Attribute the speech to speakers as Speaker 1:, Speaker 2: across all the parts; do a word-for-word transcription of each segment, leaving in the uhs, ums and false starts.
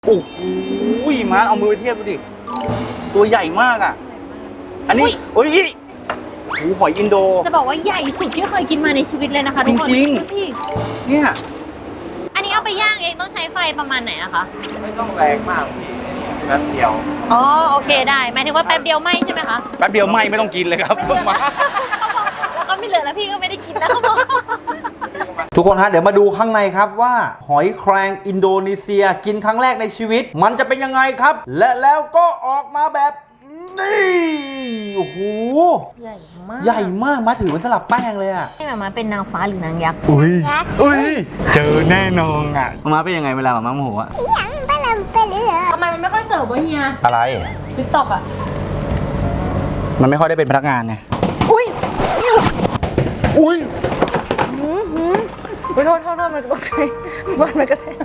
Speaker 1: โอ้โหมาเอามือไปเทียบดูดิตัวใหญ่มากอ่ะอันนี้โอ้ยหูหอยอินโด
Speaker 2: จะบอกว่าใหญ่สุดที่เคยกินมาในชีวิตเลยนะคะทุกคน
Speaker 1: จริงๆเนี่ย
Speaker 2: อันนี้เอาไปย่างเองต้องใช้ไฟประมาณไหนอะคะ
Speaker 3: ไม่ต้องแรงมากพี่แป๊บเดียว
Speaker 2: อ๋อโอเคได้หมายถึงว่าแป๊บเดียวไหมใช่ไหมคะ
Speaker 1: แป๊บเดียวไหมไม่ต้องกินเลยครับมา
Speaker 2: แล้วก็ไม่เหลือแล้วพี่ก็ไม่ได้กินแล้วเขาบอก
Speaker 1: ทุกคนฮะเดี๋ยวมาดูข้างในครับว่าหอยแครงอินโดนีเซียกินครั้งแรกในชีวิตมันจะเป็นยังไงครับและแล้วก็ออกมาแบบนี่โอ้โห
Speaker 2: ใหญ่มาก
Speaker 1: ใหญ่มากมาถือเป็นสลับแป้งเลยอ่ะ
Speaker 2: ให้มาเป็นนางฟ้าหรือนางยักษ์
Speaker 1: อุ้ยอุ้ยเจอแน่นอนอ่ะมาเป็นยังไงเวลามาโมโหอ่ะ
Speaker 2: ทำไมมันไม่ค่อยเสิร์ฟวะเฮีย
Speaker 1: อะไร
Speaker 2: ติ๊กต็อกอ่ะ
Speaker 1: มันไม่ค่อยได้เป็นพนักงานไงอุ้ยอุ้ย
Speaker 2: โทษโทษโทษมันตกใจบอลมันกระแทก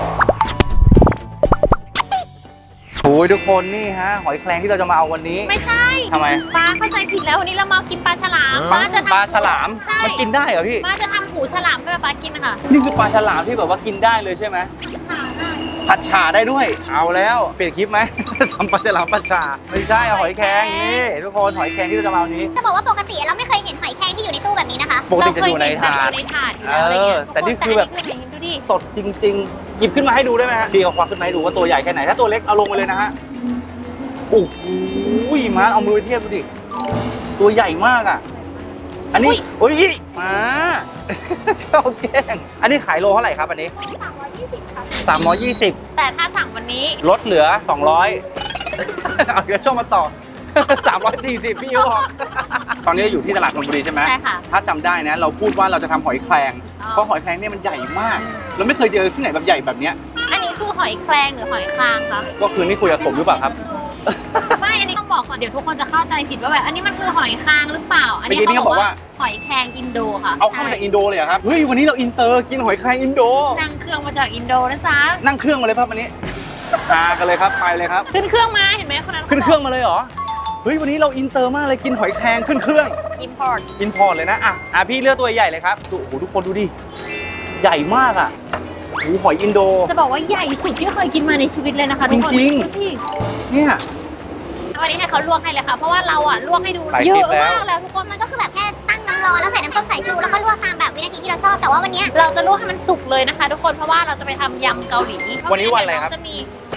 Speaker 1: โอ้ยทุกคนนี่ฮะหอยแครงที่เราจะมาเอาวันนี้
Speaker 2: ไม่ใช่
Speaker 1: ทำไม
Speaker 2: ป้าเข้าใจผิดแล้ววันนี้เรามากินปลาฉลามป้าจะ
Speaker 1: ปลาฉลามมันกินได้เหรอพี่
Speaker 2: ป้าจะทำหูฉลามให้ป้ากินนะคะ
Speaker 1: นี่คือปลาฉลามที่แบบว่ากินได้เลยใช่ไหมผัดฉ่าได้ด้วยเอาแล้วเปลี่ยนคลิปไหมทำปลาฉลามผัดฉ่าไม่ใช่หอยแครงนี่ทุกคนหอยแครงที่เราจะมาวันนี้
Speaker 4: จะบอกว่าปกติเราไม่เคยเห็นหอยแครงที่อยู่ในตู้แบบนี้นะคะ
Speaker 1: ปกติจะอยู่ในถาดเออแต่นี่คือแบบสดจริงๆหยิบขึ้นมาให้ดูได้ไหมฮะพี่เอาควักขึ้นมาให้ดูว่าตัวใหญ่แค่ไหนถ้าตัวเล็กเอาลงไปเลยนะฮะโอ้โหมาเอามือไปเทียบดูดิตัวใหญ่มากอ่ะอันนี้โอ้ยมาชอบแกล้งอันนี้ขายโลเท่าไหร่ครับอันนี้
Speaker 4: สามร้อยยี่สิบค่ะ
Speaker 1: สามร้อยยี่สิบ
Speaker 2: แต่ถ้าสั่งวันนี้
Speaker 1: ลดเหลือสองร้อยเอาเดี๋ยวช่องมาต่อสามร้อยสี่สิบพี่บอกตอนนี้อยู่ที่ตลาดธนบุรีใช่ไหม
Speaker 2: ใช่ค่ะ
Speaker 1: ถ้าจำได้นะเราพูดว่าเราจะทำหอยแครงเพราะหอยแครงเนี่ยมันใหญ่มากเราไม่เคยเจอที่ไหนแบบใหญ่แบบเนี้ย
Speaker 2: อันนี้คือหอยแครงหรือหอยคางคะ
Speaker 1: ก็คือนี่คุยกับผมหรือเปล่าครับ
Speaker 2: ไม่อันนี้ต้องบอกก่อนเดี๋ยวทุกคนจะเข้าใจผิดว่าแบบอันนี้มันคือหอยคางหรือเปล่าอันนี้เขาบอกว่าหอยแครงอินโดค่ะ
Speaker 1: เอาเข้ามาจากอินโดเลยเหรอครับเฮ้ยวันนี้เราอินเตอร์กินหอยแครงอินโด
Speaker 2: นั่งเครื่องมาจากอินโดนะจ๊ะ
Speaker 1: นั่งเครื่องมาเลยครับวันนี้มากันเลยครับไปเลยครับ
Speaker 2: ขึ้นเครื่องมาเห็นไหมคนนั้น
Speaker 1: ขึ้นเครื่องมาเลยเหรอเฮ้ยวันนี้เราอินเตอร์มากเลยกินหอยแครงขึ้นเครื่อง
Speaker 2: อินพอร์ต
Speaker 1: อินพอร์ตเลยนะอ่ะอ่ะพี่เลือกตัวใหญ่เลยครับโอ้โหทุกคนดูดิใหญ่มากอ่ะหูหอยอินโด
Speaker 2: จะบอกว่าใหญ่สุดที่เคยกินมาในชีวิตเลยนะคะทุกคน
Speaker 1: จริงๆเนี่ย
Speaker 2: วันนี้ให้เขาลวกให้เลยค่ะเพราะว่าเราอ่ะลวกให้ดูเยอะมากแล้วทุกคน
Speaker 4: มันก็คือแบบแค่ตั้งน้ำร้อนแล้วใส่น้ำส้มสายชูแล้วก็ลวกตามแบบวินาทีที่เราชอบแต่ว่าวันนี้
Speaker 2: เราจะลวกให้มันสุกเลยนะคะทุกคนเพราะว่าเราจะไปทำยำเกาหลี
Speaker 1: วันนี้วันอะไรครับ
Speaker 2: จะมี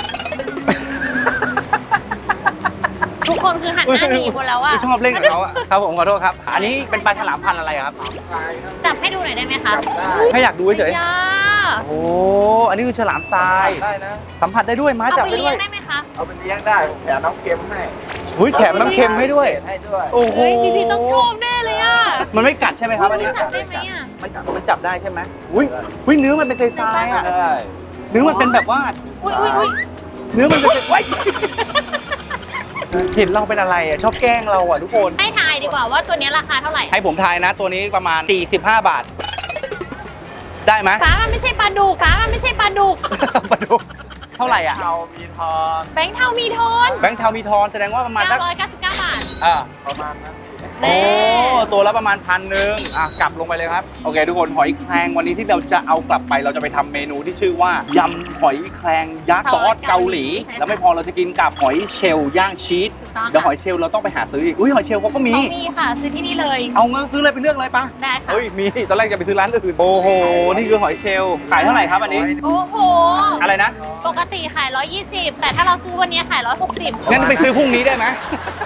Speaker 2: ทุกคนคือหันหน้าหนีหมดแล้วอ่ะ
Speaker 1: ชอบเล่นกับเขาอ่ะครับผมขอโทษครับอันนี้เป็นปลาฉลามพันธุ์อะไรครับ
Speaker 2: จับให้ดูหน่อยได้ไหมคะ
Speaker 1: แค่อยากดูเฉยโอ้อันนี้คือฉลามทราย
Speaker 3: ได้นะ
Speaker 1: สัมผัสได้ด้วยม้าจับได้ด้วย
Speaker 2: ได้ไหมคะ
Speaker 3: เอาไปเลี้ยงได้ผมแถมน้ำเค็มให้
Speaker 1: หุ้ยแถมน้ำเค็มให้ด้วย
Speaker 3: ให้ด้วย
Speaker 1: โอ้โห
Speaker 2: พี่พี่ต้องชมแน่เลยอ่ะ
Speaker 1: มันไม่กัดใช่ไหมครับอันนี้
Speaker 2: จับได้ไหมอ่ะ
Speaker 1: มันมันจับได้ใช่ไหมอุ้ยอุ้ยเนื้อมันเป็นทรายอ่ะเนื้อมันเป็นแบบว่า
Speaker 2: อุ้ยอุ้ยอุ้ย
Speaker 1: เนื้อมันเป็นว้ายเห็นเราเป็นอะไรอ่ะชอบแกล้งเราอ่ะทุกคน
Speaker 2: ให้ทายดีกว่าว่าตัวนี้ราคาเท่าไหร่
Speaker 1: ให้ผมทายนะตัวนี้ประมาณสี่สิบห้าบาทได้ไหม
Speaker 2: ฟ้ามันไม่ใช่ปลาดุกฟ้ามันไม่ใช่ปลาดุก
Speaker 1: ปลาดุกเท่าไหร่อ่ะ
Speaker 3: เทามีทอน
Speaker 2: แบงค์เทามีทอน
Speaker 1: แบงค์เทามีทอนแสดงว่าประมาณ
Speaker 2: เก้าร้อยเก้าสิบเก้าบาท
Speaker 1: อ่า
Speaker 3: ประมาณนั้น
Speaker 1: โอ้ตัวละประมาณพันหนึ่งอ่ะกลับลงไปเลยครับโอเคทุกคนหอยแครงวันนี้ที่เราจะเอากลับไปเราจะไปทำเมนูที่ชื่อว่ายำหอยแครงยักษ์ซอสเกาหลีแล้วไม่พอเราจะกินกับหอยเชลล์ย่างชีสเดี๋ยวหอยเชลล์เราต้องไปหาซื้ออีกอุ้ยหอยเชลล์เขาก็มี
Speaker 2: มีค่ะซื้อที่นี่เลย
Speaker 1: เอาเงินซื้อเลยไปเลือกเลยปะ
Speaker 2: ได้ค่ะ
Speaker 1: เฮ้ยมีตอนแรกจะไปซื้อร้านอื่นโอ้โหนี่คือหอยเชลล์ขายเท่าไหร่ครับอันนี้
Speaker 2: โอ้โห
Speaker 1: อะไรนะ
Speaker 2: ปกติขายร้อยยี่สิบแต่ถ้าเราซื้อวันนี้ขายร้อยหกสิบ
Speaker 1: งั้นไปซื้อพรุ่งนี้ได้ไหม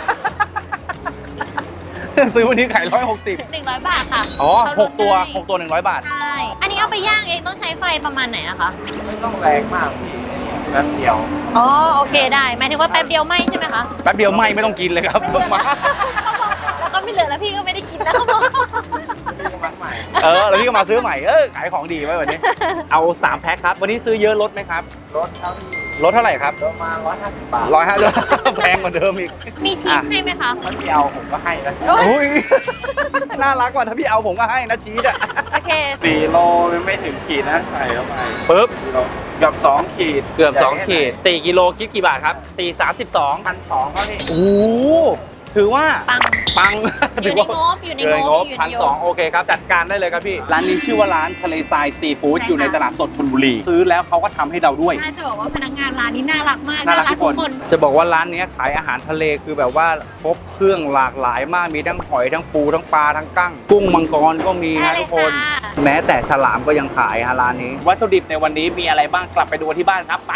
Speaker 1: ซื้อวันนี้ขายร้อยหกสิบ
Speaker 2: หนึ่งร้อยบาทค่ะ
Speaker 1: อ๋อหกตัวหกตัวหนึ่งร้อยบาท
Speaker 2: ใช่อันนี้เอาไปย่างเองต้องใช้ไฟประมาณไหนอะคะ
Speaker 3: ไม่ต้องแรงมากพี่แป๊บเดียว
Speaker 2: อ๋อโอเคได้หมายถึงว่าแป๊บเดียวไหมใช่ไหมคะ
Speaker 1: แป๊บเดียวไหมไม่ต้องกินเลยครับมา
Speaker 2: แล้วก็ไม่เหลือแล้วพี่ก็ไม่ได้กินแล้วเขาบอก
Speaker 1: เออแล้วพี่ก็มาซื้อใหม่เออขายของดีไว้วันนี้เอาสามแพ็คครับวันนี้ซื้อเยอะลดไหมครับ
Speaker 3: ลดเท่าที่
Speaker 1: ลดเท่าไหร่ครับ
Speaker 3: ประมาณร้อยห้าสิบบาท
Speaker 1: ร้อยห้าสิบแพงกว่าเดิมอีก
Speaker 2: มีชีสให้ไหมคะ
Speaker 3: ถ้าพี่เอาผมก็ให้นะ
Speaker 1: โอ้ยน่ารักกว่าถ้าพี่เอาผมก็ให้นะชีสอ่ะ
Speaker 2: โอเค
Speaker 3: สี่โลไม่ถึงขีดนะใส่เข้าไป
Speaker 1: ปึ๊บ
Speaker 3: เกือบสองขีด
Speaker 1: เกือบสองขีดสี่กิโลคิดกี่บาทครับสี่สามสิบสอง
Speaker 3: พันสองเขาพี่
Speaker 1: โอ้ถือว่า
Speaker 2: ปัง
Speaker 1: ปัง
Speaker 2: อยู่ในงบอยู่ใน
Speaker 1: อยู่ในง
Speaker 2: ง
Speaker 1: บบ พันสอง
Speaker 2: ยู่
Speaker 1: โอเคครับ จัดการได้เลยครับพี่ ร้านนี้ชื่อว่าร้านทะเลทรายซีฟู้ดอยู่ในตลาดสดธนบุรี ซื้อแล้วเขาก็ทำให้เราด้วย
Speaker 2: ใช่จะบอกว่าพนักงานร้านนี้น่ารักมาก
Speaker 1: น่ารักทุกคน จะบอกว่าร้านนี้ขายอาหารทะเลคือแบบว่าครบเครื่องหลากหลายมาก มีทั้งหอยทั้งปูทั้งปลาทั้งกั้ง กุ้งมังกรก็มีนะทุกคน แม้แต่ฉลามก็ยังขายฮะร้านนี้ วัตถุดิบในวันนี้มีอะไรบ้างกลับไปดูที่บ้านครับไป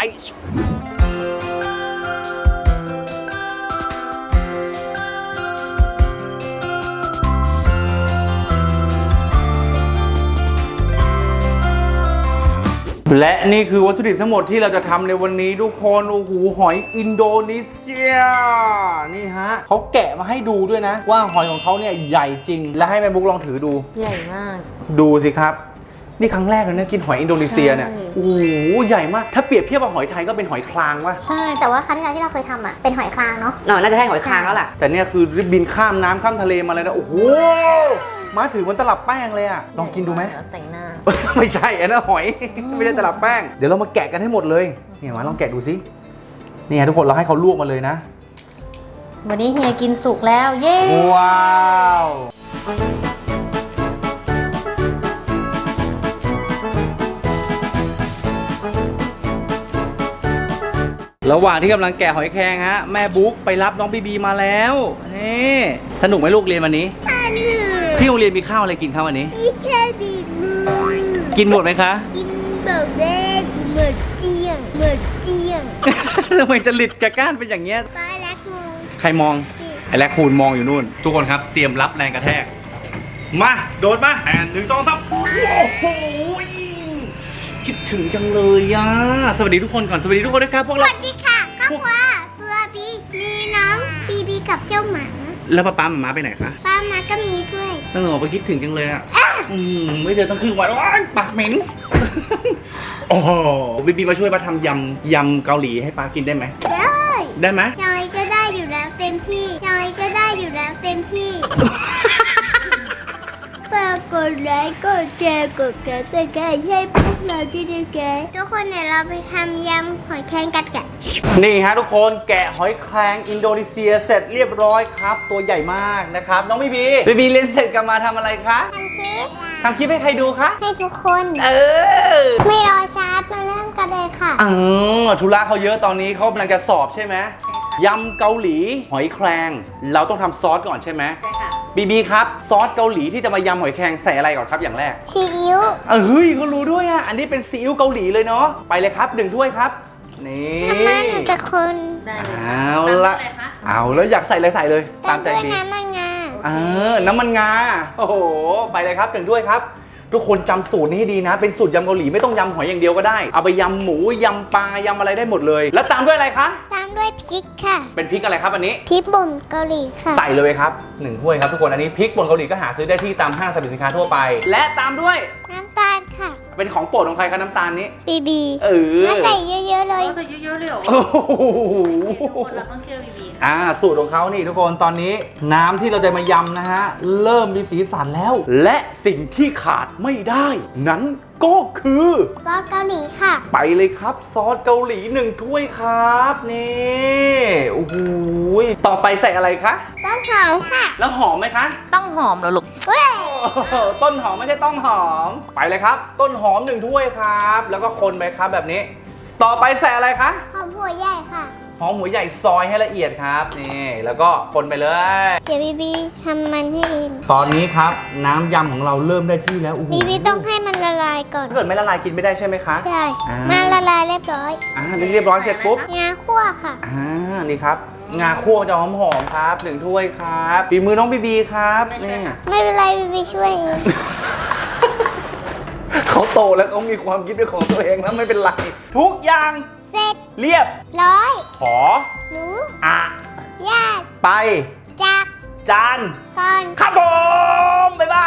Speaker 1: และนี่คือวัตถุดิบทั้งหมดที่เราจะทำในวันนี้ทุกคนโอ้โหหอยอินโดนีเซียนี่ฮะเขาแกะมาให้ดูด้วยนะ ว่าหอยของเขาเนี่ยใหญ่จริง และให้แม่บุ๊กลองถือดู
Speaker 5: ใหญ่มาก
Speaker 1: ดูสิครับนี่ครั้งแรกเลยนะกินหอยอินโดนีเซียเนี่ย
Speaker 5: ใช่
Speaker 1: โอ้โหใหญ่มากถ้าเปรียบเทียบกับหอยไทยก็เป็นหอยคลางวะ
Speaker 4: ใช่ แต่ว่าครั้งที่แล้วที่เราเคยทำอ่ะ เป็นหอยคลางเนาะ
Speaker 5: เนาะน่าจะใช่หอยคางแล้วล่ะ
Speaker 1: แต่เนี่ยคือบินข้ามน้ำข้ามทะเลมาเลยนะโอ้โหมาถือมันตลับแป้งเลยอะลองกินดูไหม
Speaker 5: แต่งหน้า
Speaker 1: ไม่ใช่อันนั้นหอย ไม่ใช่ตลับแป้ง เดี๋ยวเรามาแกะกันให้หมดเลยเนี่ยมาลองแกะดูสินี่ฮะทุกคนเราให้เขาลวกมาเลยนะ
Speaker 5: วันนี้เฮียกินสุกแล้ว เย้
Speaker 1: ว้าวระหว่างที่กำลังแกะหอยแครงฮะแม่บุ๊กไปรับน้องบีบีมาแล้วนี่สนุกไหมลูกเรียนวันนี้ที่โรงเรียนมีข้าวอะไรกินข้าววันนี้
Speaker 4: มีแค่ดีมือ
Speaker 1: กินหมดไหมคะ
Speaker 4: กินแบบแรกเหมือนเตียงเหมือนเตียง
Speaker 1: ทำไมจะหลิดกระก้านเป็นอย่างเงี้ย
Speaker 4: ป้าและครู
Speaker 1: ใครมองไอ้แรคคูนมองอยู่นู่น ทุกคนครับเตรียมรับแรงกระแทก มาโดดมาแอนหนึ่งสองสามโอ้โหคิดถึงจังเลยอ่ะสวัสดีทุกคนก่อนสวัสดีทุกคนด้วยครับพวก
Speaker 4: ส
Speaker 1: เรา
Speaker 4: วัสดีค่ะครอบครัวตัวบีมีน้องบีบีกับเจ้าหมา
Speaker 1: แล้วป้าป้าหมาไปไหนคะ
Speaker 4: ป้ามาก็มีด้วย
Speaker 1: เออไปคิดถึงจังเลยอ่ะอืมไม่เจอตั้งครึ่งวันว้ายปากเหม็น โอ้โหบีบีมาช่วยป้าทำยำยำเกาหลีให้ป้ากินได้ไหม
Speaker 4: ได้
Speaker 1: ได้ไหม
Speaker 4: ยอยก็ได้อยู่แล้วเต็มที่ยอยก็ได้อยู่แล้วเต็มที่ ฝากกดไลค์กดแชร์กดกระดิ่งให้พวกเราด้วยนะคะทุกคนเดี๋ยวเราไปทำยำหอยแครงกันกัน
Speaker 1: นี่ฮะทุกคนแกะหอยแครงอินโดนีเซียเสร็จเรียบร้อยครับ ตัวใหญ่มากนะครับน้องบีบีบีบีเรียนเสร็จกลับมาทำอะไรคะ
Speaker 4: ทำคลิป
Speaker 1: ทำคลิปให้ใครดูคะ
Speaker 4: ให้ทุกคน
Speaker 1: เออ
Speaker 4: ไม่รอช้ามาเริ่มกันเลยค่ะ
Speaker 1: อ๋อธุระเขาเยอะตอนนี้เขากำลังจะสอบใช่ไหมยำเกาหลีหอยแครงเราต้องทำซอสก่อนใช่ไหม
Speaker 5: ใช่ค่ะ
Speaker 1: บีบีครับซอสเกาหลีที่จะมายำหอยแครงใส่อะไรก่อนครับอย่างแรก
Speaker 4: ซีอิ๊ว
Speaker 1: เออเฮ้ยเขารู้ด้วยอ่ะอันนี้เป็นซีอิ๊วเกาหลีเลยเนาะไปเลยครับหนึ่งถ้วยครับนี่
Speaker 4: น้ำมันหนูจะคน
Speaker 5: ได้เลย
Speaker 1: เอาละเอาแล้วอยากใส่อะไรใส่เลยตามใจ
Speaker 4: ด้วย
Speaker 1: บี
Speaker 4: น้ำมันงา
Speaker 1: เออน้ำมันงาโอ้โหไปเลยครับหนึ่งถ้วยครับ ทุกคนจำสูตรนี้ให้ดีนะ เป็นสูตรยำเกาหลีไม่ต้องยำหอยอย่างเดียวก็ได้เอาไปยำหมูยำปลายำอะไรได้หมดเลย แล้วตามด้วยอะไรคะ
Speaker 4: ตามด้วยพริกค่ะ
Speaker 1: เป็นพริกอะไรครับอันนี้
Speaker 4: พริกป่นเกาหลีค่ะ
Speaker 1: ใส่เลยครับหนึ่งถ้วยครับทุกคนอันนี้พริกป่นเกาหลีก็หาซื้อได้ที่ตามห้างสรรพสินค้าทั่วไป และตามด้วย
Speaker 4: น้ำตาลค่ะ
Speaker 1: เป็นของโปรดของใครคะน้ำตาลนี้
Speaker 4: บีบี
Speaker 1: เออ
Speaker 4: มาใส่เยอะๆเลย
Speaker 5: ใส่เยอะๆเลยเหรอ
Speaker 1: โอ้โห
Speaker 5: ทุกคนเราต้องเชื่อบีบี
Speaker 1: อ่าสูตรของเขานี่ทุกคนตอนนี้น้ำที่เราจะมายำนะฮะเริ่มมีสีสันแล้ว และสิ่งที่ขาดไม่ได้ นั้นก็คือ
Speaker 4: ซอสเกาหลีค่ะ
Speaker 1: ไปเลยครับซอสเกาหลีหนึ่งถ้วยครับนี่โอ้โหต่อไปใส่อะไรคะ
Speaker 4: ซอสหอมค่ะ
Speaker 1: แล้วหอมไหมคะ
Speaker 5: ต้องหอมแล้วลูก
Speaker 4: เว้ย
Speaker 1: โอ้โหต้นหอมไม่ใช่ต้องหอมไปเลยครับ ต้นหอมหนึ่งถ้วยครับ แล้วก็คนไปครับแบบนี้ ต่อไปใส่อะไรคะ
Speaker 4: หอมหัวใหญ่ค่ะ
Speaker 1: หอมหัวใหญ่ซอยให้ละเอียดครับนี่แล้วก็คนไปเลย
Speaker 4: เดี๋ยวบีบีทำมันให้เอง
Speaker 1: ตอนนี้ครับน้ำยำของเราเริ่มได้ที่แล้วโอ้โห
Speaker 4: บีบีต้องให้มันละลายก่อน
Speaker 1: ถ้าเกิดไม่ละลายกินไม่ได้ใช่ไหมคะ
Speaker 4: ใช่
Speaker 1: อ่ามั
Speaker 4: มันละลายเรียบร้อย
Speaker 1: อ่าเรียบร้อยเสร็จปุ๊บ
Speaker 4: งาคั่วค่ะ
Speaker 1: อ่านี่ครับงาคั่วจะหอมหอมๆครับหนึ่งถ้วยครับฝีมือน้องบีบีครับนี่
Speaker 4: ไม่เป็นไรบีบีช่วยเอง
Speaker 1: เขาโตแล้วเขามีความคิดเป็นของตัวเองแล้วไม่เป็นไร ทุกอย่าง
Speaker 4: เสร็จ
Speaker 1: เรียบ
Speaker 4: ร้อย
Speaker 1: ขอ
Speaker 4: หนู
Speaker 1: อะ
Speaker 4: ญาติ
Speaker 1: ไป
Speaker 4: จาก
Speaker 1: จาน
Speaker 4: ก่อน
Speaker 1: ครับผมบ๊ายบาย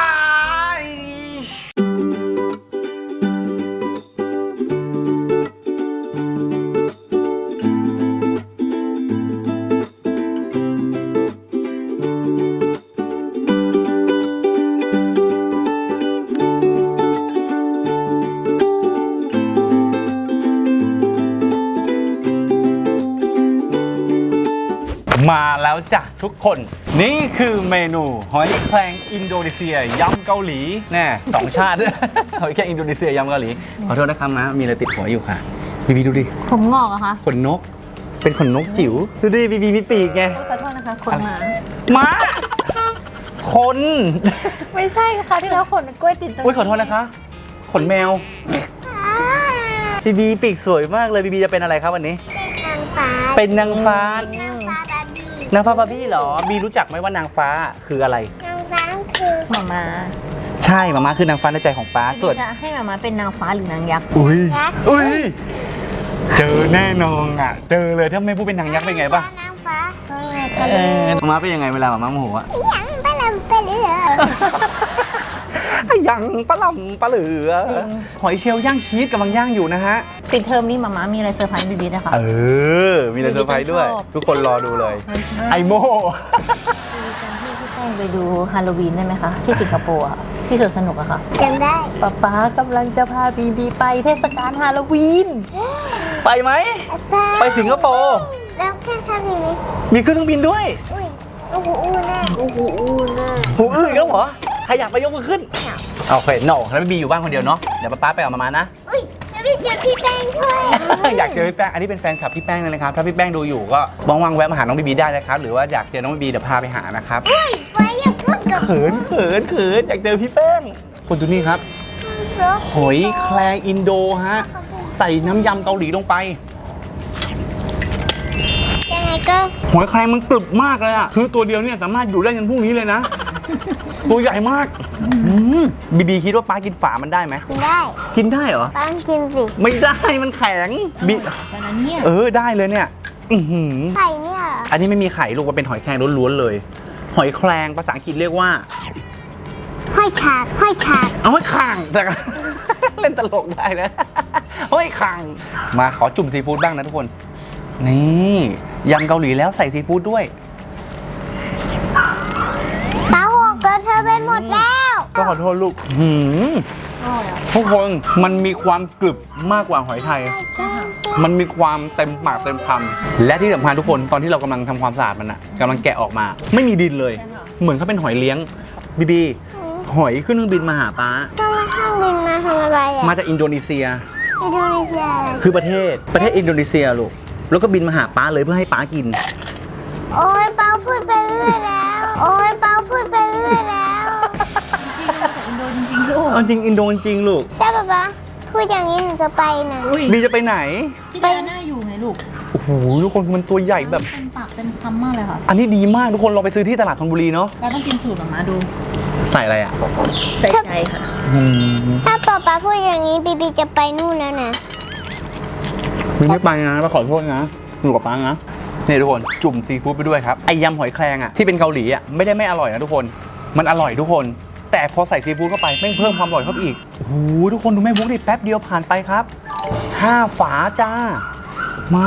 Speaker 1: นมาแล้วจ้ะทุกคน นี่คือเมนูหอยแครงอินโดนีเซียยำเกาหลีแน่สองชาติ หอยแครงอินโดนีเซียยำเกาหลีขอโทษนะครับนะมีอะไรติดหัวอยู่ค่ะบีบีดูดิ
Speaker 2: ผมงอกเหรอคะ
Speaker 1: ขนนกเป็นขนนกจิ๋วดูดิบีบีมีปีกไง
Speaker 2: ขอโทษนะคะขนหมา
Speaker 1: ม้าคน
Speaker 2: ไม่ใช่ค่ะที่แล้วขนกล้วยติดตรง
Speaker 1: อุ้ยขอโทษนะคะขนแมวบีบีปีกสวยมากเลยบีบีจะเป็นอะไรครับวันนี้
Speaker 4: เป็นนางฟ้า
Speaker 1: เป็นนางฟ้า
Speaker 4: นางฟ้าบาร์บี้
Speaker 1: นางฟ้าบาร์บี้เหรอบีรู้จักไหมว่านางฟ้าคืออะไร
Speaker 4: นางฟ้าคือ
Speaker 2: หมามา
Speaker 1: ใช่มาม่าคือนางฟ้าในใจของป้าส่วน
Speaker 2: จะให้หมามาเป็นนางฟ้าหรือนางยักษ์
Speaker 1: อุ้ยอุ้ยเจอแน่นอนอ่ะเจอเลยถ้าไม่พูดเป็นนางยักษ์เป็นไงป่ะ
Speaker 4: นางฟ้า
Speaker 1: เออมาม่าเป็นยังไงเวลามาม่าโมโหอ่ะ
Speaker 4: อย่างปลาลำปลาเหลือ
Speaker 1: ไอ้ยังปลาหล่ำปลาเหลือหอยเชลล์ย่างชีสกำลังย่างอยู่นะฮะ
Speaker 2: ปิดเทอมนี้หมามามีอะไรเซอร์ไพรส์บีบีนะคะ
Speaker 1: เออมีอะไรเซอร์ไพรส์ด้วย
Speaker 2: ชอบ
Speaker 1: ทุกคนรอดูเลยไอโม
Speaker 2: บีบีจำที่พี่แป้งไปดูฮาโลวีนได้ไหมคะที่สิงคโปร์อะที่สวนสนุกอะค่ะ
Speaker 4: จำได้
Speaker 2: ป๊าป๊ากำลังจะพาบีบีไปเทศกาลฮาโลวีน
Speaker 1: ไปไหมไปสิงคโปร์
Speaker 4: แล้วแค่ทำอย่างนี้
Speaker 1: มีเครื่องบินด้วย
Speaker 4: อุ้ยโอ้โหอู้แน่โอ้โหอู้แน่
Speaker 1: หูอื้ออีกแล้วเหรอใครอยากไปยกมือขึ้นโอเคโน่แล้วบีอยู่บ้านคนเดียวเนาะเดี๋ยวป้าไปกับมามานะ
Speaker 4: อุ้ยแล้วพี่เจอพี่แป้งด้วย
Speaker 1: อยากเจอพี่แป้ง อันนี้เป็นแฟนคลับพี่แป้งเลยนะครับ ถ้าพี่แป้งดูอยู่ก็ว่างๆแวะมาหาน้องบีบีได้นะครับ หรือว่าอยากเจอน้องบีบีเดี๋ยวพาไปหานะครับ
Speaker 4: อุ้ยไว้อย่าพูดกับ
Speaker 1: เขินเขินเขินอยากเจอพี่แป้งคุณดูนี่ครับ หอยแครงอินโดฮะ ใส่น้ำยำเกาหลีลงไป
Speaker 4: ยังไงก็
Speaker 1: หอยแครงมันกรึบมากเลยอะคือตัวเดียวเนี่ยสามารถอยู่ได้ยันพรุ่งนี้เลยนะ ตัวใหญ่มากบีบีคิดว่าป้ากินฝามันได้ไหม
Speaker 4: กินได้
Speaker 1: กินได้เหรอ
Speaker 4: ป้ากินสิ
Speaker 1: ไม่ได้มันแข็งบี
Speaker 2: แต่ละเนี่ย
Speaker 1: เออได้เลยเนี่ยอื้อหือ
Speaker 4: ไข่เนี่ยเหรอ
Speaker 1: อันนี้ไม่มีไข่ลูกมันเป็นหอยแครงล้วนๆเลย หอยแครงภาษาอังกฤษเรียกว่า
Speaker 4: ห้อยขาดห้อยขาด
Speaker 1: เอาหอยคางแต่ เล่นตลกได้นะหอยคางมาขอจุ่มซีฟู้ดบ้างนะทุกคน นี่ยำเกาหลีแล้วใส่ซีฟู้ดด้วย
Speaker 4: ป้าหกแล้วเธอไปหมดแล้ว
Speaker 1: ก็ขอโทษลูกหืมทุกคนมันมีความกรึบมากกว่าหอยไทย มันมีความเต็มปากเต็มคำและที่สำคัญทุกคนตอนที่เรากำลังทำความสะอาดมันอะกำลังแกะออกมา ไม่มีดินเลย เหมือนเขาเป็นหอยเลี้ยงบีบีหอยขึ้นเครื่องบินมาหาป้า
Speaker 4: ต้องมาข้างบินมาทำอะไรอ่ะ
Speaker 1: มาจากอินโดนีเซีย
Speaker 4: อินโดนีเซียอะไร
Speaker 1: คือประเทศประเทศอินโดนีเซียลูกแล้วก็บินมาหาป้าเลยเพื่อให้ป้ากิน
Speaker 4: โอ้ยเปาพูดไปเรื่อยแล้ว โอ้ยเปาพูดไปเรื่อยแล้ว
Speaker 2: อินโดจริงๆลูก
Speaker 1: เอาจริงอินโดจริงลูก
Speaker 4: ใช่ปะป๊าพูดอย่างนี้หนูจะไปนะ
Speaker 2: อุ้ย
Speaker 1: บีจะไปไหน
Speaker 2: ที่ดาน่าอยู่ไงลูก
Speaker 1: โอ้โหทุกคนคือมันตัวใหญ่แบบ
Speaker 2: เต็มปากเต็มคำมากเลยค่ะ
Speaker 1: อันนี้ดีมากทุกคนลองไปซื้อที่ตลาดธนบุรีเนาะ
Speaker 2: เราต้องกินสูตรหมามาดู
Speaker 1: ใส่อะไรอ่ะ
Speaker 2: ใจใจค่ะ
Speaker 1: อืม
Speaker 4: ถ้าป๊าป๊าพูดอย่างนี้บีบีจะไปนู่นแล้วนะ
Speaker 1: บีไม่ไปนะป้าขอโทษนะอยู่กับป้านะนี่ทุกคนจุ่มซีฟู้ดไปด้วยครับไอยำหอยแครงอ่ะที่เป็นเกาหลีอ่ะไม่ได้ไม่อร่อยนะทุกคนมันอร่อยทุกคน แต่พอใส่ซีฟู้ดเข้าไปแม่งเพิ่มความอร่อยเข้าไปอีกโอ้โหทุกคนดูแม่บุ๊กดิแป๊บเดียวผ่านไปครับห้าฝาจ้ามา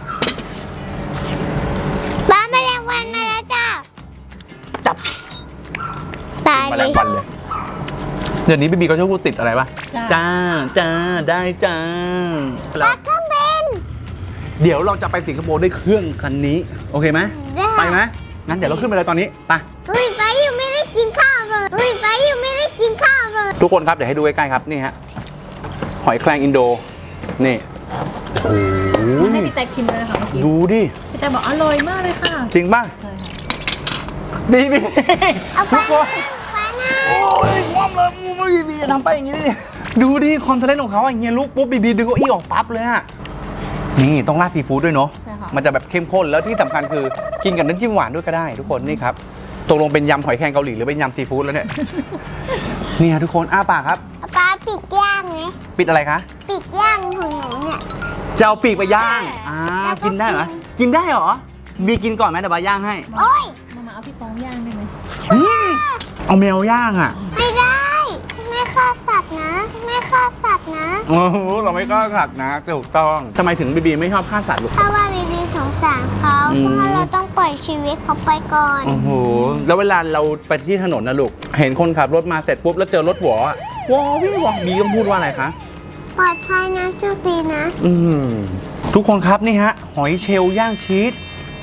Speaker 4: ป๊าแมลงวันมาแล้วจ้า
Speaker 1: จับ
Speaker 4: ตาย
Speaker 1: มา
Speaker 4: เล
Speaker 1: แล้ว
Speaker 4: ย
Speaker 1: ฟันเลยเดี๋ยวนี้บีบีก็ชอบพูดติดอะไรปะจ้าจ้าได้จ้า
Speaker 4: ป๊าก็เป็น
Speaker 1: เดี๋ยวเราจะไปสิงคโปร์ด้วยเครื่องคันนี้โอเคไหม
Speaker 4: ได้
Speaker 1: ไปไหมงั้นเดี๋ยวเราขึ้นไปเลยตอนนี้ไป
Speaker 4: อุ้ยป๊ายังไม่ได้กินข้าวเลยอุ้ยป๊ายังไม่ได้กินข้าวเลย
Speaker 1: ทุกคนครับเดี๋ยวให้ดูใกล้ๆครับนี่ฮะหอยแครงอินโดนี่โอ้ย
Speaker 2: ให้พี่แตกชิมเลยค่ะเมื่อกี้
Speaker 1: ดูดิ
Speaker 2: พี่แตกบอกอร่อยมากเลยค่ะ
Speaker 1: จริงป่ะ
Speaker 2: ใช่ค่ะ
Speaker 1: บีบี
Speaker 4: เอาไป
Speaker 1: ทุกคน
Speaker 4: ป๊านะ
Speaker 1: โอ้ยความเลยบีบีทำไปอย่างนี้ดิดูดิคอนเทนต์ของเขาอย่างเงี้ยลุกปุ๊บบีบีดึงเก้าอี้ออกปั๊บเลยอะนี่ต้องราดซีฟู้ดด้วยเนาะ
Speaker 2: ใช่ค่ะ
Speaker 1: มันจะแบบเข้มข้นแล้วที่สำคัญคือกินกับน้ำจิ้มหวานด้วยก็ได้ ทุกคนนี่ครับตกลงเป็นยำหอยแครงเกาหลีหรือเป็นยำซีฟู้ดแล้วเนี่ย นี่ฮะทุกคนอ้าปากครับ
Speaker 4: ป๊าปิดย่างไหม
Speaker 1: ปิดอะไรคะ
Speaker 4: ปิดย่างของหนูเนี่ย
Speaker 1: จะเอาปีกไปย่างอ่ากินได้เหรอกินได้เหรอบีกินก่อนไหมเดี๋ยวบาย่างให้
Speaker 4: โอ้ย
Speaker 2: มามาเอาพี่ปองย่างได้ไหม
Speaker 1: อืมเอาแมวย่างอ่ะ
Speaker 4: ไม่ได้ ไม่ฆ่าสัตว์นะ ไม่ฆ่าสัตว์นะ
Speaker 1: โอ้โหเราไม่กล้าสัตว์นะถูกต้องทำไมถึงบีบีไม่ชอบฆ่าสัตว์ลูก
Speaker 4: เพราะว่าบีบีสงสารเขา
Speaker 1: อืม
Speaker 4: เพราะเราต้องปล่อยชีวิตเขาไปก่อน
Speaker 1: โอ้โหแล้วเวลาเราไปที่ถนนนะลูกเห็นคนขับรถมาเสร็จปุ๊บแล้วเจอรถหวออะวอวี่วอบีต้องพูดว่าอะไรคะ
Speaker 4: ปลอดภัยนะโชคดีนะ
Speaker 1: อืมทุกคนครับนี่ฮะหอยเชลล์ย่างชีส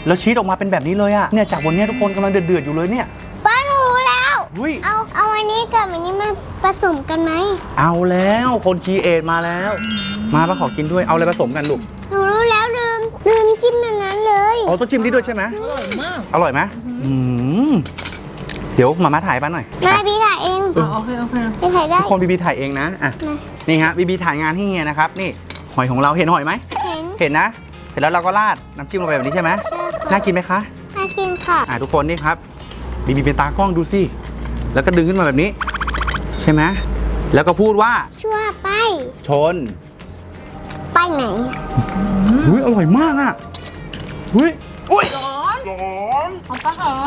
Speaker 1: แล้วชีสออกมาเป็นแบบนี้เลยอะเนี่ยจากวันนี้ทุกคนกำลังเดือดๆอยู่เลยเนี่ย
Speaker 4: ป้าหนูรู้แล้ว
Speaker 1: อุ้ย
Speaker 4: เอาเอาอันนี้กับอันนี้มาผสมกันไหม
Speaker 1: เอาแล้วคนคีเอทมาแล้ว มาป้าขอกินด้วยเอาอะไรผสมกันลูก
Speaker 4: หนูรู้แล้วลืมลืมจิ้มอันนั้นเลย
Speaker 1: อ๋อต้องชิมที่ด้วยใช่ไหม
Speaker 5: อร่อยมาก
Speaker 1: อร่อยไหมอืมเดี๋ยวมาม่าถ่ายป้าหน่อย
Speaker 4: มาพี่ถ่ายเอง
Speaker 5: โอเคโอเค
Speaker 4: พี่ถ่ายได้
Speaker 1: ทุกคนบีบีถ่ายเองนะอ่ะ
Speaker 4: มา
Speaker 1: นี่ฮะบีบีถ่ายงานให้เฮียนะครับนี่หอยของเราเห็นหอยไหม
Speaker 4: เห็น
Speaker 1: เห็นนะเสร็จแล้วเราก็ราดน้ำจิ้มลงไปแบบนี้ใช่ไหม
Speaker 4: ใช่ค่ะ
Speaker 1: น่ากินไหมคะ
Speaker 4: น่ากินค่ะ
Speaker 1: อ่ะทุกคนนี่ครับบีบีเป็นตากล้องดูสิแล้วก็ดึงขึ้นมาแบบนี้ ใช่ไหมแล้วก็พูดว่า
Speaker 4: ชั่วไป
Speaker 1: ชน
Speaker 4: ไปไหน
Speaker 1: อุ้ยอร่อยมากอ่ะอุ้ยอุ้ย
Speaker 2: ของป้าเหรอ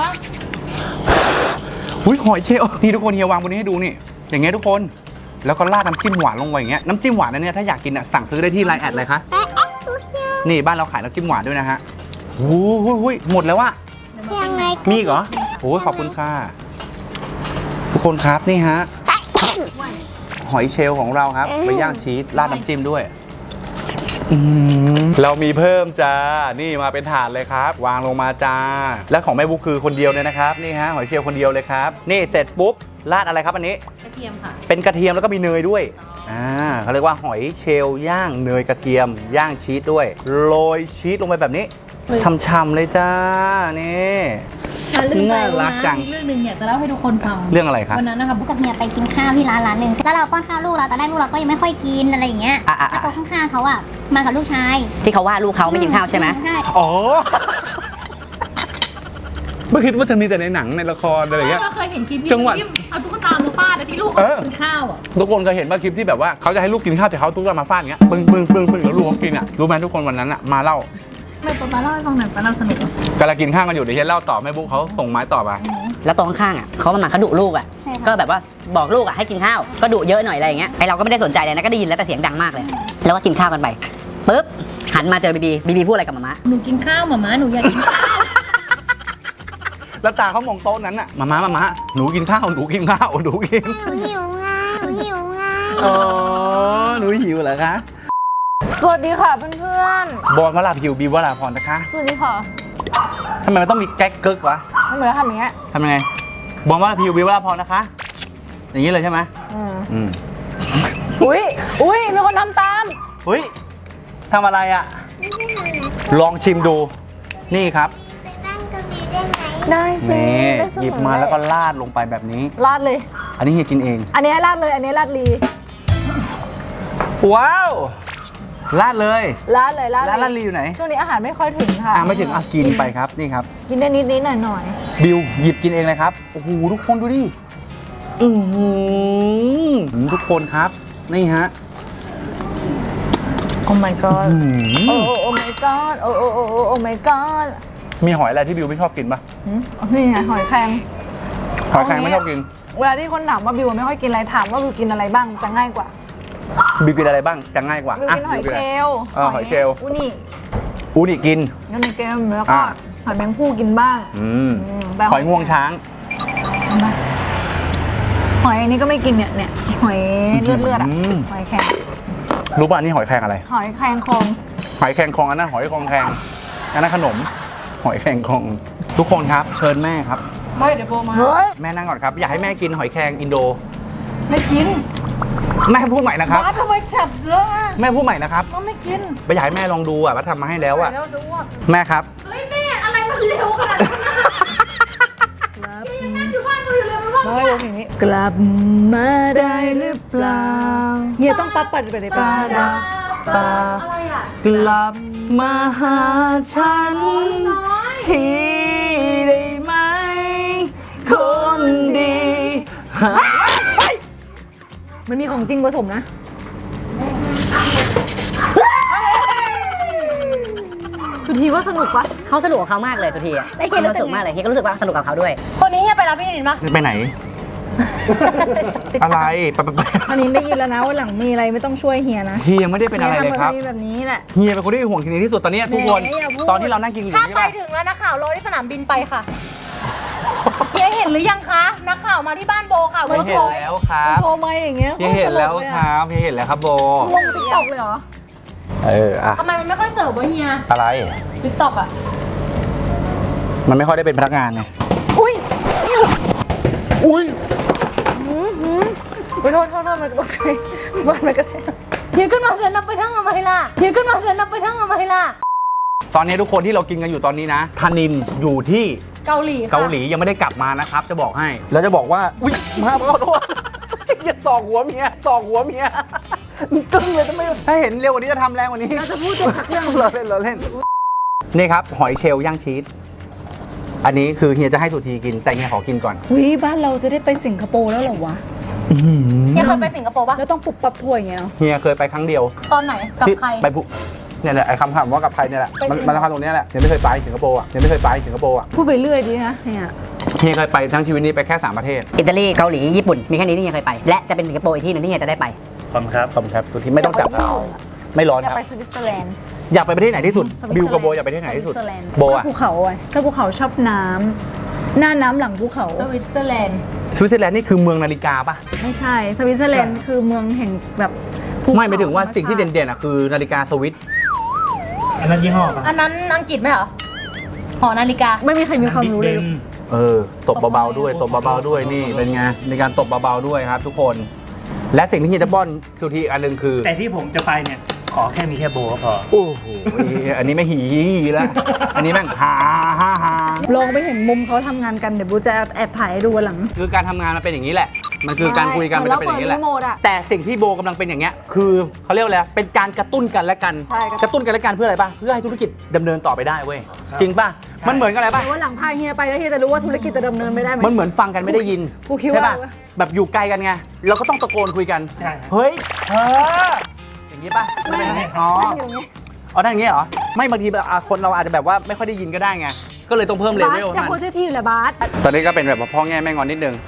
Speaker 1: อุ้ยหอยเชลล์นี่ทุกคนเฮียวางบนนี้ให้ดูนี่อย่างเงี้ยทุกคนแล้วก็ราดน้ำจิ้มหวานลงไปอย่างเงี้ยน้ำจิ้มหวานอันเนี้ยถ้าอยากกินอ่ะสั่งซื้อได้ที่ไลน์แอดเลยคะ
Speaker 4: ไปเอ๊ะทุกอย่าง
Speaker 1: นี่บ้านเราขายน้ำจิ้มหวานด้วยนะฮะโอ้ยหมดแล้วว่ะ
Speaker 4: ยังไง
Speaker 1: มีอีกเหรอโอ้ยขอบคุณค่ะทุกคนครับนี่ฮะหอยเชลล์ของเราครับไปย่างชีสราดน้ำจิ้มด้วยอืมเรามีเพิ่มจ้านี่มาเป็นถาดเลยครับ วางลงมาจ้าและของแม่บุ๊กคือคนเดียวเลยนะครับนี่ฮะหอยเชลล์คนเดียวเลยครับนี่เสร็จปุ๊บราดอะไรครับอันนี้
Speaker 5: กระเทียมค่ะ
Speaker 1: เป็นกระเทียมแล้วก็มีเนยด้วยอ่าเขาเรียกว่าหอยเชลล์ย่างเนยกระเทียมย่างชีสด้วยโรยชีสลงไปแบบนี้ช่ำๆเลยจ้านี่น่ารักจัง
Speaker 5: เรื่องหนึ่งอยากจะเล่าให้ทุกคนฟัง
Speaker 1: เรื่องอะไรครับ
Speaker 5: วันนั้นนะคะ
Speaker 6: บุ๊กกับเฮียไปกินข้าวที่ร้านร้านหนึ่งแล้วเราป้อนข้าวลูกเราตอนแรกลูกเราก็ยังไม่ค่อยกินอะไรอย่างเงี้ย
Speaker 5: อ่ะอ่ะ
Speaker 6: แล้วโต๊ะข้างๆเขาอ่ะมากับลูกชาย
Speaker 5: ที่เขาว่าลูกเขาไม่กินข้าวใช่ไหม
Speaker 6: ใช่
Speaker 1: อ๋อไม่คิดว่าจะมีแต่ในหนังในละครอะไรอย่างเงี้ย
Speaker 2: เราเคยเห็นคลิปที่
Speaker 1: จังหวะ
Speaker 2: เอาตุ๊กตามาฟาดอะที่ลูก
Speaker 1: เออ
Speaker 2: กินข้าวอ่ะ
Speaker 1: ทุกคนเคยเห็นว่าคลิปที่แบบว่าเขาจะให้ลูกกินข้าวแต่เขาตุ๊กตามาฟาดอย่างเงี้ยปึ้งปึ้งปึ้งปึ้งแล้วลูกเขากินอ่ะรู้ไหมทุกคนวันนั้นอ่ะมาเล่า
Speaker 2: ไม่ป๊าป๊าเล่าให้ฟังหน่อยป๊าเล่าสนุกเหรอก
Speaker 1: ำลังกินข้าวกันอยู่เดี๋ยวเฮียเล่าต่อแม่บุ๊กเขาส่งไม้ต่อมา
Speaker 5: แล้วตรงข้างๆอ่ะเขามาเขาดุลูกอ่ะ
Speaker 6: ใช่ค่ะ
Speaker 5: ก็แบบว่าบอกลูกอ่ะให้กินข้าว ก็ดุเยอะหน่อยอะไรอย่างเงี้ยไอเราก็ไม่ได้สนใจเลยนะก็ได้ยินแล้วแต่เสียงดังมากเลย แล้วก็กินข้าวกันไปปุ๊บหันมาเจอบีบีบีบีพูดอะไรกับหมาม่า
Speaker 2: หนูกินข้าวหมาม้าหนูอยากกินข้าว
Speaker 1: แล้วตาเขามองโต๊ะนั้นอ่ะมาม่ามาม่าหนูกินข้าวหนูกินข้าวหนูกิน
Speaker 4: หนูหิวไงหนูหิวไง
Speaker 1: อ๋อหนูหิวเหรอคะ
Speaker 7: สวัสดีค่ะเพื่อน
Speaker 1: บอลวราพิวบีวราพรนะคะ
Speaker 7: ๆ สวัสดีค่ะ
Speaker 1: ทำไมมันต้องมีแก๊กเกิกวะ
Speaker 7: มันเหมือนทำอย่างเงี้ย
Speaker 1: ทำยังไงบอลวราพิวบีวราพรนะคะ อย่างนี้เลยใช่ไหม
Speaker 7: อืม
Speaker 1: อืม
Speaker 7: อุ้ยอุ้ยมีคนทำตาม
Speaker 1: เฮ้ยทำอะไรอ่ะ ลองชิมดู นี่ครับ
Speaker 4: ไปบ้านกบีได้ไหม
Speaker 7: ได้สิ
Speaker 1: นี่
Speaker 7: ได้เสมอ
Speaker 1: หยิบมาแล้วก็ราดลงไปแบบนี้
Speaker 7: ลาดเลย
Speaker 1: อันนี้เฮียกินเอง
Speaker 7: อันนี้ให้ลาดเลย อันนี้ลาดลี
Speaker 1: ว้าวราดเลย
Speaker 7: ลาดเลยลาด
Speaker 1: ร้านลาดลีอยู่ไหน
Speaker 7: ช่วงนี้อาหารไม่ค่อยถึงค่ะ
Speaker 1: อ่ะไม่ถึงอ่ะกินไปครับนี่ครับ
Speaker 7: กินได้นิดนิดๆหน่อยหน่อย
Speaker 1: บิวหยิบกินเองเลยครับโอ้โหทุกคนดูดิอือหือทุกคนครับนี่ฮะ
Speaker 7: โอ้ my god
Speaker 1: อื
Speaker 7: โอ้
Speaker 1: ม
Speaker 7: โอ้โอ้ my god โอ้โอ้โอ้โอ้โอ้ my god
Speaker 1: มีหอยอะไรที่บิวไม่ชอบกินปะ
Speaker 7: หืมนี่ไงหอยแครง
Speaker 1: หอยแครงไม่ชอบกิน
Speaker 7: เวลาที่คนถามว่าบิวไม่ค่อยกินอะไรถามว่าบิวกินอะไรบ้างจะง่ายกว่า
Speaker 1: บิวกินอะไรบ้างจะง่ายกว่า
Speaker 7: บิวกินหอย
Speaker 1: บิว
Speaker 7: เช
Speaker 1: กินอะไร
Speaker 7: ลล์
Speaker 1: เออหอยเชลล์
Speaker 7: อุนี่
Speaker 1: อูนิกิน
Speaker 7: งั้นในเกมแล้วก็
Speaker 1: อ่า
Speaker 7: หอยแมงผู้กินบ้าง
Speaker 1: อืม
Speaker 7: อืมแต่
Speaker 1: หอยงวงช้าง
Speaker 7: หอยอันนี้ก็ไม่กินเนี่ยเนี่ยหอยเลือดเลือดๆอ่ะ
Speaker 1: อืม
Speaker 7: หอยแครง
Speaker 1: รู้ป่ะอันนี่หอยแครงอะไร
Speaker 7: หอยแครงคอง
Speaker 1: หอยแครงคองอันนั้นหอยคองแครงอันนั้นขนม หอยแครงคองทุกคนครับ เชิญแม่ครับ
Speaker 7: ไม่เดี๋ยวโบมาเฮ้ย
Speaker 1: แม่นั่งก่อนครับอยากให้แม่กินหอยแครงอินโด
Speaker 7: ไม่กิน
Speaker 1: แม่พูดใหม่นะครับ
Speaker 7: บ้าทำไมจับเลอะอ่ะ
Speaker 1: แม่พูดใหม่นะครับ
Speaker 7: มันไม่กิน
Speaker 1: ไปอยากให้แม่ลองดูอ่ะว่าทำมาให้แล้วอ่ะ
Speaker 7: แล้วดูว่า
Speaker 1: แม่ครับ
Speaker 2: เฮ้ยแม่อะไรมันเร็วขนาดนั้นยังนั่งอยู่บ้านตัวอยู่เลยมันว่า
Speaker 7: น้อยลงอย่างนี้กลับมาได้หรือเปล่าเฮียต้องปั๊บปัดไปเลยป้าดาปา
Speaker 2: อะไรอ่ะ
Speaker 1: กลับมาหาฉัน ทีได้ไหม คนดี
Speaker 7: มันมีของจริงผสมนะสุธีว่าสนุกปะ
Speaker 5: เขาสนุกกับเขามากเลยสุธีอ่ะ
Speaker 7: แล้วเฮียรู้
Speaker 5: เขา
Speaker 7: สึ
Speaker 5: ส
Speaker 7: ก
Speaker 5: นุก
Speaker 7: ไง
Speaker 5: มากเลยเฮียก็รู้สึกว่าสนุกกับเขาด้วย
Speaker 2: คนนี้เฮียไปรับพี่นินปะ
Speaker 1: ไปไหน อะไรไปไปไป
Speaker 7: อันนี้ได้ยินแล้วนะว่าหลังมีอะไรไม่ต้องช่วยเฮียนะ
Speaker 1: เฮียไม่ได้เป็นอะไรเลยครับ
Speaker 7: ฮีทำแบบนี้แหละ
Speaker 1: เฮียเป็นคนที่ห่วงทีนี้ที่สุดตอนนี้ทุกคน
Speaker 7: แหมอย่าพูด
Speaker 1: ตอนที่เรานั่งกินอยู่
Speaker 2: ถ้า
Speaker 1: นี่
Speaker 2: ไป
Speaker 1: ป่ะ
Speaker 2: ถึงแล้วนักข่าวรอที่สนามบินไปค่ะเฮียเห็นหรือยังคะนักข่าวมาที่บ้านโบค่ะ
Speaker 1: เฮีย
Speaker 2: โช
Speaker 1: เห็น
Speaker 2: ว์
Speaker 1: แล้วครับ
Speaker 7: โชว์ไม่อย่างเงี้ย
Speaker 1: เฮียเห็นแล้วครับเฮียเห็นแล้วครับโบ
Speaker 7: ลงติ๊กต็อกเลยเหรอ
Speaker 1: เอออะ
Speaker 2: ทำไมมันไม่ค่อยเสิร์ฟวะเฮีย
Speaker 1: อะไร
Speaker 2: ติ๊กต็อกอะ
Speaker 1: มันไม่ค่อยได้เป็นพนักงานไงอุ้ยอุ้ย
Speaker 7: ไปโทษโทษโทษมันตกใจบ้านมันกระแทกเฮียขึ้นมาฉันนับไปทั้งอเมริล่ะเฮียขึ้นมาฉันนับไปทั้งอเมริล่ะ
Speaker 1: ตอนนี้ทุกคนที่เรากินกันอยู่ตอนนี้นะธนินอยู่ที่
Speaker 7: เกาหลีค่ะ
Speaker 1: เกาหลียังไม่ได้กลับมานะครับจะบอกให้แล้วจะบอกว่าอุ้ยมาขอโทษอย่าสอกหัวเมียสอกหัวเมียกึ้งเลยทำไมถ้าเห็นเร็วกว่านี้จะทำแรงกว่านี้เราจะพูดจบเรื่องเราเล่นเราเล่นนี่ครับหอยเชลล์ย่างชีสอันนี้คือเฮียจะให้สุธีกินแต่เฮียขอกินก่อน
Speaker 7: วิบ้านเราจะได้ไปสิงคโปร์แล้วเหรอวะ
Speaker 6: ยังเคยไปสิงคโปร์ปะ
Speaker 7: แล้วต้องปุบปับถ้วยอย่างเงี้ยเนาะ
Speaker 1: เฮียเคยไปครั้งเดียว
Speaker 6: ตอนไหน กับ
Speaker 1: ที่
Speaker 6: ใคร
Speaker 1: ไปพุเนี่ยแหละไอ้คำถามว่ากับใครเนี่ยแหละมันมันคำตรงเนี้ยแหละเฮียไม่เคยไปสิงคโปร์อ่ะเฮียไม่เคยไปสิงคโปร์อ่ะ
Speaker 7: พูดไปเรื่อยดีนะเนี่ย
Speaker 1: เฮียเคยไปทั้งชีวิตนี้ไปแค่สามประเทศ
Speaker 5: อิตาลีเกาหลีญี่ปุ่นมีแค่นี้ที่เฮียเคยไป และจะเป็นสิงคโปร์อีกที่หนึงที่เฮียจะได้ไป
Speaker 3: ขอบคุณครับ
Speaker 1: ขอบคุณครับสุธีไม่ต้องจับครับไม่ร้อน
Speaker 7: อยาก
Speaker 1: ครับ
Speaker 7: ไปสวิตเซอร์แลนด์
Speaker 1: อยากไปประเทศไหนที่สุด
Speaker 7: สวิตเซอร์แลนด์
Speaker 1: บิวกับโบอยากไปประเทศไหนที่สุด
Speaker 7: สวิตเซอร์แลนด์
Speaker 1: โบ
Speaker 7: ชอบ
Speaker 1: อะ
Speaker 7: ภูเขาอ่ะชอบภูเขาชอบน้ำหน้าน้ำหลังภูเขา
Speaker 6: สวิตเซอร์แลนด์
Speaker 1: สวิตเซอร์แลนด์นี่คือเมืองนาฬิกาป่ะ
Speaker 7: ไม่ใช่สวิตเซอร์แลนด์คือเมืองแห่งแบบภูเขา
Speaker 1: ไม่หมายถึงว่าสิ่งที่เด่นๆอ่ะคือนาฬิกาสวิต
Speaker 3: อันนั้นยี่ห้อป่ะ
Speaker 6: อันนั้นอังกฤษไหมเหรอ หอนาฬิกา
Speaker 7: ไม่มีใครมีความรู้เลย
Speaker 1: เออตบเบาๆด้วยตบเบาๆด้วยนี่เป็นไงในการตบเบาๆด้วยครับทุกคน และสิ่งที่เฮียจะป้อนสุธีอันหนึ่งคือ
Speaker 3: แต่ที่ผมจะไปเนี่ย ขอแค่มีแค่โบก็พอ
Speaker 1: โอ้โหอันนี้ไม่หีแล้วอันนี้แม่งฮาฮาฮา
Speaker 7: ลองไปเห็นมุมเขาทำงานกันเดี๋ยวบูจะแอบถ่ายให้ดูวันหลัง
Speaker 1: คือการทำงานมันเป็นอย่างนี้แหละ มันคือการคุยกันมันจะเป็นอย่างนี้แหละ
Speaker 7: เหมือนเราเปิดรีโมทอะ
Speaker 1: แต่สิ่งที่โบกำลังเป็นอย่างเงี้ยคือเขาเรียกว่าอะไรเป็นการกระตุ้นกันและกัน
Speaker 7: ใช่
Speaker 1: กระตุ้นกันและกันเพื่ออะไรป่ะเพื่อให้ธุรกิจดำเนินต่อไปได้เว้ยจริงป่ะมันเหมือนกันอะไรป่ะ
Speaker 7: เดี๋ยววันหลังพาเฮียไปแล้วเฮียจะรู้ว่าธุรกิจจะดำเนินไม่ได้ไหม
Speaker 1: มันเหมือนฟังกันไม่ได้ยิน
Speaker 7: กูคิด
Speaker 1: ใช่
Speaker 7: ว่า
Speaker 1: ป่ะแบบอยู่ไกลกันไงเราก็ต้องตะโกนคุยกัน
Speaker 3: ใช่
Speaker 1: เฮ้ยเอออย่างนี้ป่ะ
Speaker 7: ไม่
Speaker 1: เป็น
Speaker 7: ไม่
Speaker 1: อ๋อ
Speaker 7: อยู่ไง
Speaker 1: อ๋อได้อย่างงี้เหรอไม่บางทีแบบอ่ะคนเราอาจจะแบบว่าไม่ค่อยได้ยินก็ได้ไงก็เลยต้องเพิ่มเล
Speaker 7: บาส
Speaker 1: เวล
Speaker 7: จะ
Speaker 1: มัน
Speaker 7: พูดชื่อที่อยู่แหละบาส
Speaker 1: ตอนนี้ก็เป็นแบบว่าพ่อแง่แม่งอนนิดนึง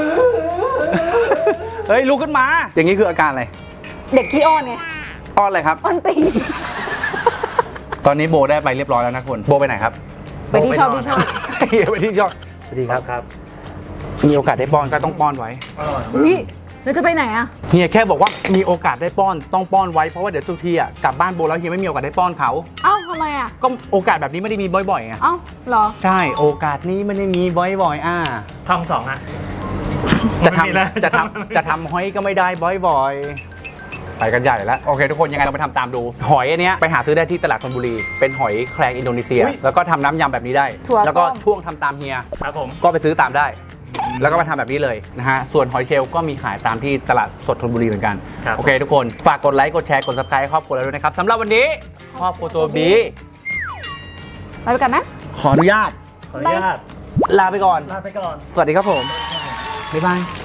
Speaker 1: เฮ้ยลุกขึ้นมา อย่างนี้คืออาการอะไร
Speaker 7: เด็กขี้อ้อนไง
Speaker 1: อ้อนอะไรครับ
Speaker 7: อ้อนตีน
Speaker 1: ตอนนี้โบได้ไปเรียบร้อยแล้วนะคุณโบไปไหนครับ
Speaker 7: ไปที่ชอบที่ชอบ
Speaker 1: เฮียไปที่ชอบสวัสดีครับ
Speaker 3: ครับ
Speaker 1: มีโอกาสได้ป้อนก็ต้องป้อนไว้
Speaker 7: อุ้ยแล้วจะไปไหนอะ
Speaker 1: เฮียแค่บอกว่ามีโอกาสได้ป้อนต้องป้อนไว้เพราะว่าเดี๋ยวสุธีอ่ะกลับบ้านโบแล้วเฮียไม่มีโอกาสได้ป้อนเขา
Speaker 7: เอ้าทำไมอะ
Speaker 1: ก็โอกาสแบบนี้ไม่ได้มีบ่อยๆไง
Speaker 7: เอ้าเหรอ
Speaker 1: ใช่โอกาสนี้ไม่ได้มีบ่อยๆอ่า
Speaker 3: ท่องสองอ่ะ
Speaker 1: จะ
Speaker 3: ไม่มีแล้ว
Speaker 1: ทำจะทำจะทำหอยก็ไม่ได้บ่อยๆไปกันใหญ่แล้วโอเคทุกคนยังไงเราไปทำตามดู หอยอันเนี้ยไปหาซื้อได้ที่ตลาดธนบุรีเป็นหอยแครงอินโดนีเซีย แล้วก็ทำน้ำยำแบบนี้ได้
Speaker 7: ถั่ว
Speaker 1: แล้วก็
Speaker 7: ต้ม
Speaker 1: ช่วงทำตามเฮีย
Speaker 3: ครับผม
Speaker 1: ก็ไปซื้อตามได้ แล้วก็มาทำแบบนี้เลยนะฮะ ส่วนหอยเชลล์ก็มีขายตามที่ตลาดสดธนบุรีเหมือนกัน
Speaker 3: ครับ
Speaker 1: โอเคทุกคน ฝากกดไลค์ กดแชร์ กด ซับสไครต์ครอบครัวเราด้วยนะครับสำหรับวันนี้ครอบครัวตัวบี
Speaker 7: ไปกันนะ
Speaker 1: ขออนุญาต
Speaker 3: ขออนุญาต
Speaker 1: ลาไปก่อน
Speaker 3: ลาไปก่อน
Speaker 1: สวัสดีครับผม บ๊ายบาย